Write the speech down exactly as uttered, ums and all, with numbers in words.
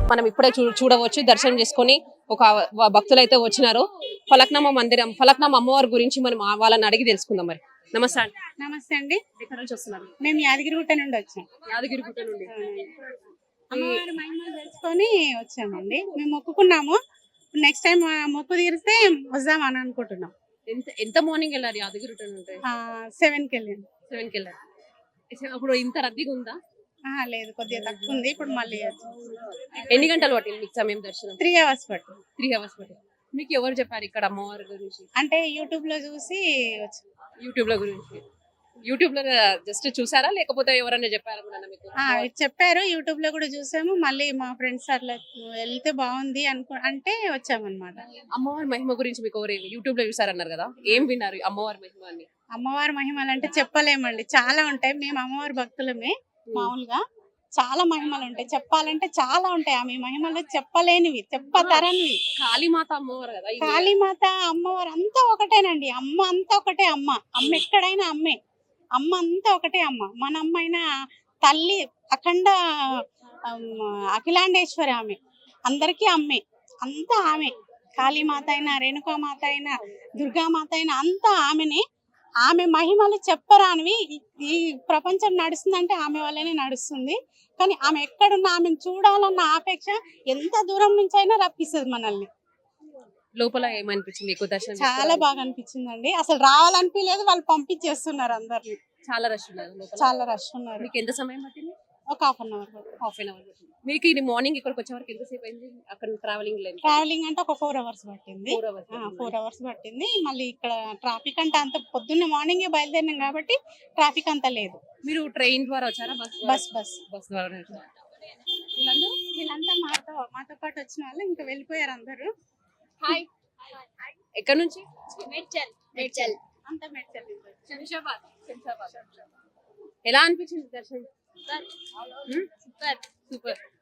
మనం ఇప్పుడే చూ చూడవచ్చు దర్శనం చేసుకొని ఒక భక్తులు అయితే వచ్చినారు. ఫలక్నామా మందిరం, ఫలక్నామా అమ్మవారి గురించి మనం వాళ్ళని అడిగి తెలుసుకుందాం. మరి నమస్తే అండి. నమస్తే అండి. ఎక్కడ నుంచి వస్తున్నారు? మేము యాదగిరిగుట్ట నుండి వచ్చాం. యాదగిరిగుట్ట నుండి అమ్మవారి మహిమలు తెలుసుకొని వచ్చామండి. మేము మొక్కుకున్నాము, నెక్స్ట్ టైం మొక్కు తీరిస్తే వద్దాం అని అనుకుంటున్నాం. ఎంత ఎంత మార్నింగ్ వెళ్ళారు యాదగిరిగుట్ట నుండి? సెవెన్ కి వెళ్ళాము. సెవెన్ కి వెళ్ళారు. అప్పుడు ఇంత రద్దీగా ఉందా? లేదు, కొద్దిగా తక్కువ ఉంది. ఇప్పుడు మళ్ళీ ఎన్ని గంటలు పట్టింది మీకు సమయం దర్శనం? త్రీ అవర్స్ పట్టింది. త్రీ అవర్స్ పట్టింది. మీకు ఎవరు చెప్పారు ఇక్కడ అమ్మవారి గురించి? అంటే యూట్యూబ్ లో చూసి వచ్చాం. యూట్యూబ్ లో గురించి యూట్యూబ్ లో జస్ట్ చూసారా లేకపోతే ఎవరైనా చెప్పారా మీకు? చెప్పారు, యూట్యూబ్ లో కూడా చూసాము. మళ్ళీ మా ఫ్రెండ్స్ అట్లా వెళ్తే బాగుంది అనుకో అంటే వచ్చామన్నమాట. అమ్మవారి మహిమ గురించి మీకు ఎవరు యూట్యూబ్ లో చూసారన్నారు కదా, ఏం విన్నారు అమ్మవారి మహిమ అని? అమ్మవారి మహిమలు అంటే చెప్పలేమండి, చాలా ఉంటాయి. మేము అమ్మవారి భక్తులమే. మామూలుగా చాలా మహిమలు ఉంటాయి, చెప్పాలంటే చాలా ఉంటాయి. ఆమె మహిమలు చెప్పలేనివి, చెప్పతరనివి. కాళీమాత అమ్మవారు కదా, కాళీమాత అమ్మవారు అంతా ఒకటేనండి. అమ్మ అంతా ఒకటే. అమ్మ అమ్మ ఎక్కడైనా అమ్మే. అమ్మ అంతా ఒకటే అమ్మ. మన అమ్మ అయినా తల్లి అఖండ అఖిలాండేశ్వరి ఆమె, అందరికీ అమ్మే, అంతా ఆమె. కాళీమాత అయినా, రేణుకామాత అయినా, దుర్గామాత అయినా అంతా ఆమెనే. ఆమె మహిమలు చెప్పరానివి. ఈ ప్రపంచం నడుస్తుందంటే ఆమె వల్లనే నడుస్తుంది. కానీ ఆమె ఎక్కడున్నా ఆమెను చూడాలన్న ఆపేక్ష ఎంత దూరం నుంచి అయినా రప్పిస్తుంది మనల్ని. లోపల ఏమనిపించింది? చాలా బాగా అనిపించిందండి. అసలు రావాలనిపించలేదు, వాళ్ళు పంపించేస్తున్నారు అందరిని. చాలా రష్ ఉన్నారు, చాలా రష్ ఉన్నారు. మీకు ఎంత సమయం పట్టింది? ఒక half an hour. Half an hour పట్టింది. మీకు ఇది మార్నింగ్ ఇక్కడికి వచ్చే వరకు ఎంతసేపు అయింది? అక్కడ ట్రావెలింగ్ లేదు, ట్రావెలింగ్ అంటే ఒక ఫోర్ అవర్స్ పట్టింది. ఫోర్ అవర్స్ పట్టింది. మళ్ళీ ఇక్కడ ట్రాఫిక్ అంటే అంత పొద్దున్నే మార్నింగే బయలుదేరినాం కాబట్టి ట్రాఫిక్ అంత లేదు. మీరు ట్రైన్ ద్వారా వచ్చారా? బస్ బస్ బస్ ద్వారా. వీళ్ళంతా మాతో మాతో పాటు వచ్చిన వాళ్ళు ఇంకా వెళ్ళిపోయారు అందరూ. హాయ్, ఎక్కడ నుంచి? మేడ్చల్. మేడ్చల్ అంతా మేడ్చల్. శంషాబాద్. శంషాబాద్. ఎలా అనిపించింది దర్శనం? Super super.